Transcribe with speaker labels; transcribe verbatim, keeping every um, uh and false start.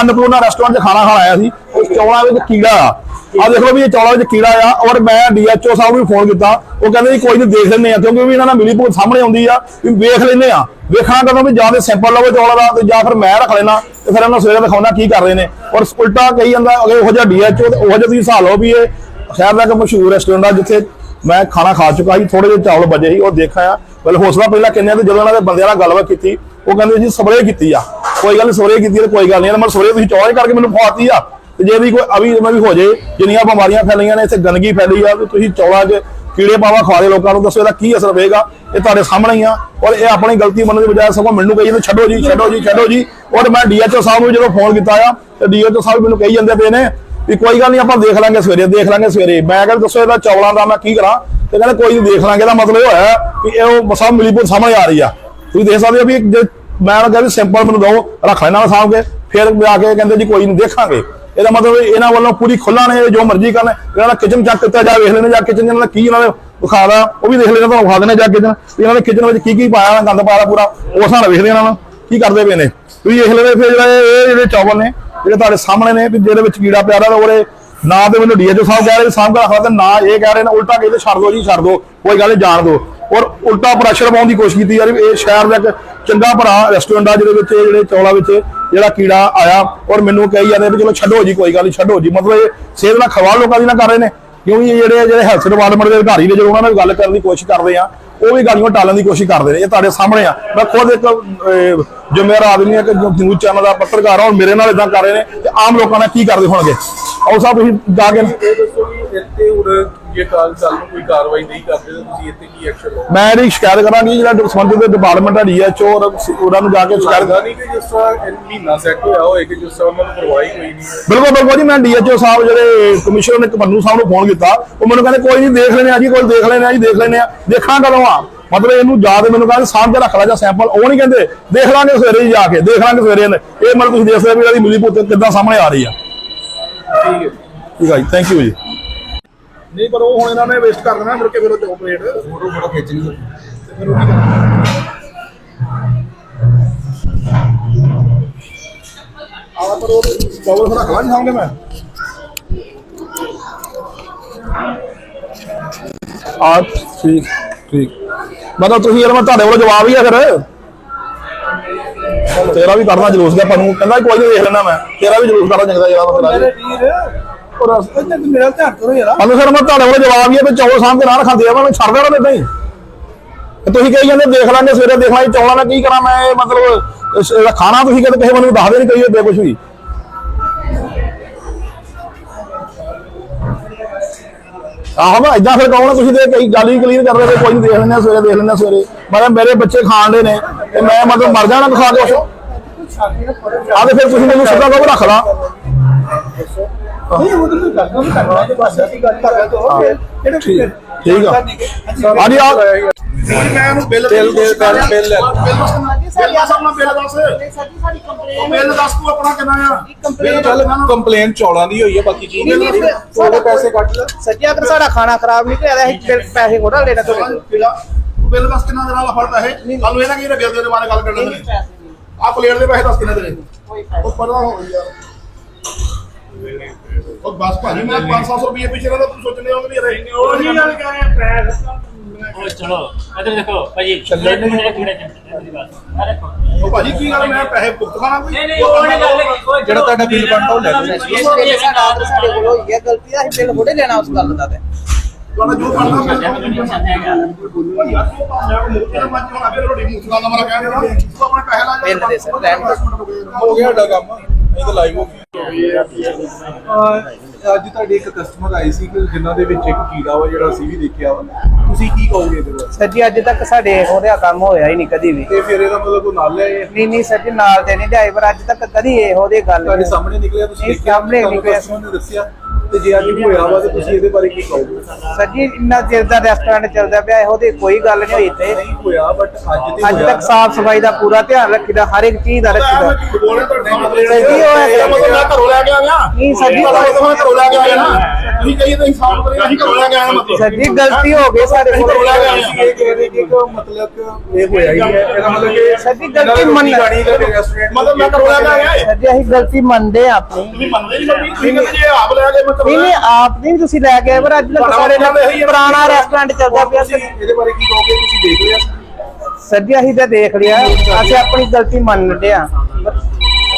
Speaker 1: Annapurna restaurant च खाना खाण आया सी, चौलों में कीड़ा आ आ देख लो भी चौलों में कीड़ा आ। और मैं डी एच ओ साहब भी फोन किया, वो कहते जी कोई नहीं देख लें, क्योंकि भी इन्होंने मिली भुगत सामने आती है भी वेख लें वेखना कदों भी जाते सैंपल लवो चौलों का तो फिर मैं रख लेना तो फिर उन्होंने सवेरे दिखाना की कर रहे हैं। और उल्टा कही जाता अगर डी एच ओ तो वह तुम हिसाब लो भी ये शहर का एक मशहूर रेस्टोरेंट है जिथे मैं खाना खा चुका ही, थोड़े जो चावल बचे ही और देखा आ पहले हौसला पहला कहने जो उन्होंने बंद गलबात की वो कहते जी स्प्रे की कोई गल स्प्रे की तो कोई गल नहीं मैं स्प्रे तुम चौल करके मैंने खवाती आ जे भी कोई अभी भी हो जाए जिन्नियां बीमारियां फैलियां ने इतने गंदगी फैली है तो चौलों च कीड़े पावा खवा दे लोगों को, दसो इसका की असर पेगा, ये तुहाडे सामने ही आ। और ये अपनी गलती मनने की बजाय सगों मैनूं कही जांदे छड्डो जी छड्डो जी छड्डो जी। और मैं डी एच ओ साहब को जो फोन किया तो डी एच ओ साहब मैनूं कही जांदे पे ने भी कोई गल नहीं आप देख लांगे सवेरे देख लांगे सवेरे। मैं कहता दसो इसका चौलों का मैं की करा तो कहते कोई नहीं देख लांगे। मतलब होया कि सब मिलीभुगत सामने आ रही है, तुसीं देख सकते हो भी जे मैं कहा भी सिंपल मैनूं दो रख लेना सामभ के फिर आके कहते जी कोई नहीं देखा। ਇਹਦਾ मतलब ਇਹਨਾਂ ਵੱਲੋਂ पूरी खुला ने जो मर्जी करना, ਇਹਨਾਂ किचन चेक किया जा वेख लेने जा किचन ਇਹਨਾਂ की ਇਹਨਾਂ ਵਿਖਾ ਦਾ ਉਹ ਵੀ ਦੇਖ ਲੈਣਾ ਤੁਹਾਨੂੰ ਵਿਖਾ ਦੇਣਾ ਜਾ ਕਿਚਨ ਇਹਨਾਂ ਨੇ ਕਿਚਨ ਵਿੱਚ ਕੀ ਕੀ ਪਾਇਆ ਗੰਦ ਪਾਇਆ ਪੂਰਾ ਉਸ ਨਾਲ ਵੇਖ ਲੈਣਾ ਵਾ ਕੀ ਕਰਦੇ ਪਏ ਨੇ ਤੁਸੀਂ ਦੇਖ ਲੈਣੇ। ਫਿਰ ਜਿਹੜੇ ਇਹ ਜਿਹੜੇ ਚਾਵਲ ਨੇ ਜਿਹੜੇ ਤੁਹਾਡੇ ਸਾਹਮਣੇ ਨੇ ਵੀ ਜਿਹਦੇ ਵਿੱਚ ਕੀੜਾ ਪਿਆ ਦਾ ਉਹਦੇ ਨਾ ਤੇ ਮੈਨੂੰ ਡੀ ਐਚ ਓ ਸਾਹਿਬ ਕਹਿ ਰਹੇ ਸਾਹਮਣੇ ਰੱਖਣਾ ਤੇ ਨਾ ਇਹ ਕਹਿ ਰਹੇ ਨੇ ਉਲਟਾ ਕਹਿੰਦੇ ਛੱਡ ਦੋ ਜੀ ਛੱਡ ਦੋ ਕੋਈ ਗੱਲ ਜਾਣ ਦੋ। और उल्टा प्रैशर पाने की कोशिश की यार ये शहर का एक चंगा भरा रेस्टोरेंट आ जो चौलों जो कीड़ा आया और मैनू कही जाते भी चलो छड्डो जी कोई गल नहीं छड्डो जी। मतलब ये सेहत ना खवा लोगों की ना कर रहे हैं क्योंकि ये जो हैल्थ डिपार्टमेंट के अधिकारी ने जो उन्होंने गल करने की कोशिश करते हैं वो भी गलियों टालने की कोशिश करते हैं। ये तुहाडे सामने आ, मैं खुद एक जिम्मेदार आदमी है कि न्यूज़ चैनल का पत्रकार और मेरे नाल इदां कर रहे हैं तो आम लोगों ने की करते होंगे और साहब तुसीं जाके मैं जी शिकायत करा जो संबंधित डिपार्टमेंट है डी एच ओ और उन्होंने जाके शिकायत बिल्कुल बिल्कुल जी। मैं डी एच ओ साहब जो कमिश्नर ने मन्नू साहब को फोन किया वो मैंने कहते कोई नहीं देख लेने जी कोई देख लेने जी देख लेने देखना कदों आ। मतलब इनू जाके मैंने कहते सामभ के रख ला जा सैंपल वो नहीं कहते देख लांगे सवेरे जाके देख लांगे सवेरे ये मतलब तुम देख सकते भी मिली भुगत कितना सामने आ रही है। ठीक है ठीक है जी थैंक यू जी। नहीं पर वो हुण इन्हां ने वेस्ट कर देना मुड़ के फिर वो प्लेट फोटो फोटो खिंचनी ते फिर वो की करना आ पर वो चावल रख ला सामने मैं आ ठीक ठीक मतलब तुसीं यार मैं तुहाडे कोल जवाब ही है फिर तेरा भी करना जलूस का पनू कहंदा कोई नहीं देख लेना मैं तेरा भी जलूस करना चंगा जरा मेरा जवाब ही है चौल सामने ना रखा मैं छड़ देना इदा ही तुम कही जाते देख लांगे सवेरे देख लांगे चौलों का की करा मैं मतलब खाना तुम कहते किसी मैं दस नहीं कही कुछ भी। आहो मैं इदा फिर कहूँ तुम कई गल ही क्लीयर कर रहे कोई नहीं देख लें सवेरे देख लें सवेरे मतलब मेरे बच्चे खान दे ने मैं मतलब मर जाना खा के आ फिर तुम मैं सीधा कहो रख ला
Speaker 2: कंप्लेन चौलों की हुई है बाकी पैसे कट लो सच्ची अगर साडा खाना खराब निकलिया पैसे कोड़ा लेना तो बिल दस कितना देना वाला फर्क है कल ये ना कि बिल देने वाले गल करना आ प्लेट दे पैसे दस कितना देने ओ पता हो यार और बस भाजी मैं पाँच सौ रुपये पीछे रहा तुम सोचने होंगे नहीं रहेंगे और नहीं यार क्या है पैर ओ चलो इधर देखो भाजी चलने नहीं थोड़े अरे ओ भाजी की गल मैं पैसे भुगत खाना कोई नहीं नहीं वो नहीं गल जेड़ा ਤੁਹਾਡਾ ਬਿੱਲ ਬਣਦਾ ਉਹ ਲੈ ਲਓ ये साडा ਸਾਡੇ ਕੋਲ ਹੋਈ ਹੈ ਗਲਤੀ ਆ ਬਿੱਲ ਥੋੜੇ ਲੈਣਾ ਉਸ ਗੱਲ ਦਾ ਤੇ ਤੁਹਾਡਾ ਜੋ ਬਣਦਾ ਉਹ ਯਾਰ ਉਹ ਪਾਉਂਦਾ ਮੁੱਕੇ ਮੱਝ ਹੋਣਾ ਫਿਰ ਰੋਟੀ ਮੁੱਕਾ ਦਾ ਮਰਾ ਕਹਿ ਦੇਣਾ ਤੂੰ ਆਪਣੇ ਪੈਸੇ ਲਾ ਬਿੱਲ ਦੇ ਸਰ ਲੈਣ ਹੋ ਗਿਆ ਸਾਡਾ ਕੰਮ ਇਹ ਤਾਂ ਲਾਈਵ ਹੋ ਗਿਆ ਅੱਜ ਤੁਹਾਡੇ ਇੱਕ ਕਸਟਮਰ ਆਈ ਸੀ ਕਿ ਜਿਨ੍ਹਾਂ ਦੇ ਵਿੱਚ ਇੱਕ ਕੀੜਾ ਵਾ ਜਿਹੜਾ ਅਸੀਂ ਵੀ ਦੇਖਿਆ ਵਾ ਤੁਸੀਂ ਕੀ ਕਹੋਗੇ ਇਹਦੇ ਬਾਰੇ?
Speaker 3: ਸਰ ਜੀ ਅੱਜ ਤੱਕ ਸਾਡੇ ਉਹਦਾ ਕੰਮ ਹੋਇਆ ਹੀ ਨਹੀਂ ਕਦੀ ਵੀ
Speaker 2: ਤੇ ਫਿਰ ਇਹਦਾ ਮਤਲਬ ਕੋਈ ਨਾਲ ਲਿਆ
Speaker 3: ਨਹੀਂ ਨਹੀਂ ਸਰ ਜੀ ਨਾਲ ਤੇ ਨਹੀਂ ਲਿਆਏ ਪਰ ਅੱਜ ਤੱਕ ਕਦੀ ਇਹੋ ਦੀ ਗੱਲ
Speaker 2: ਤੁਹਾਡੇ ਸਾਹਮਣੇ ਨਿਕਲਿਆ ਤੁਸੀਂ
Speaker 3: ਸਾਹਮਣੇ ਨਿਕਲਿਆ
Speaker 2: ਨੇ ਦੱਸਿਆ
Speaker 4: ਤੇ ਜੇ ਅੱਜ ਹੋਇਆ ਵਾ ਤੇ ਤੁਸੀਂ ਇਹਦੇ ਬਾਰੇ ਕੀ ਕਹੋਗੇ?
Speaker 3: ਸਰ ਜੀ ਇੰਨਾ ਚਿਰ ਦਾ ਰੈਸਟੋਰੈਂਟ ਚੱਲਦਾ ਪਿਆ ਇਹੋ ਦੀ ਕੋਈ ਗੱਲ ਨਹੀਂ ਹੋਈ ਇੱਥੇ।
Speaker 4: ਨਹੀਂ ਹੋਇਆ ਬਟ ਅੱਜ ਤੇ
Speaker 3: ਅੱਜ
Speaker 4: ਹੋਇਆ।
Speaker 3: ਤੱਕ ਸਾਫ ਸਫਾਈ ਦਾ ਪੂਰਾ ਧਿਆਨ ਰੱਖੀਦਾ, ਹਰ ਇੱਕ ਚੀਜ਼ ਦਾ ਰੱਖੀਦਾ।
Speaker 2: ਬੋਲੇ ਤੁਹਾਡੇ ਨਾਲ
Speaker 3: ਸਰ ਜੀ ਉਹ
Speaker 2: ਇਹ ਮਤਲਬ ਮੈਂ ਘਰੋਂ ਲੈ ਕੇ ਆ ਗਿਆ
Speaker 3: ਨਹੀਂ ਸਰ ਜੀ,
Speaker 2: ਮੈਂ ਘਰੋਂ ਲੈ ਕੇ ਆਇਆ ਨਾ ਤੁਸੀਂ ਕਹੀਏ ਤਾਂ ਇਨਸਾਫ ਕਰੀਏ ਅਸੀਂ ਘਰੋਂ ਲੈ ਕੇ ਆਏ ਮਤਲਬ
Speaker 3: ਸਰ ਜੀ ਗਲਤੀ ਹੋ ਗਈ ਸਾਡੇ
Speaker 2: ਘਰੋਂ
Speaker 3: ਕੋਲ।
Speaker 2: ਲੈ ਕੇ ਆਏ
Speaker 4: ਤੁਸੀਂ ਇਹ ਕਹਿ ਰਹੇ ਕਿ ਕੋ ਮਤਲਬ ਕਿ ਇਹ ਹੋਇਆ ਹੀ ਹੈ, ਇਹਦਾ ਮਤਲਬ ਕਿ
Speaker 3: ਸਰ ਜੀ ਗਲਤੀ ਮੰਨ
Speaker 4: ਗਾੜੀ ਦਾ ਰੈਸਟੋਰੈਂਟ
Speaker 2: ਮਤਲਬ ਮੈਂ ਘਰੋਂ ਲੈ ਕੇ ਆਇਆ
Speaker 3: ਸਰ ਜੀ ਅਸੀਂ ਗਲਤੀ ਮੰਨਦੇ ਆ ਆਪਣੀ।
Speaker 2: ਤੁਸੀਂ ਮੰਨਦੇ ਨਹੀਂ ਮੰਮੀ ਤੁਸੀਂ ਕਹਿੰਦੇ ਜੇ ਆਪ ਲੈ ਕੇ ਮੈਂ
Speaker 3: ਨਹੀਂ ਨਹੀਂ ਆਪ ਨਹੀਂ ਤੁਸੀਂ ਲੈ ਕੇ ਆਏ, ਪਰ ਅੱਜ ਤੱਕ ਸਾਡੇ ਨਾਲ ਪੁਰਾਣਾ ਰੈਸਟੋਰੈਂਟ ਚੱਲਦਾ ਪਿਆ
Speaker 4: ਤੁਸੀਂ
Speaker 3: ਸਰ।
Speaker 4: ਇਹਦੇ ਬਾਰੇ ਕੀ ਕਹੋਗੇ? ਤੁਸੀਂ ਦੇਖ ਲਿਆ
Speaker 3: ਸਰ ਜੀ ਅਸੀਂ ਤਾਂ ਦੇਖ ਲਿਆ, ਅਸੀਂ ਆਪਣੀ ਗਲਤੀ ਮੰਨਦੇ ਆ।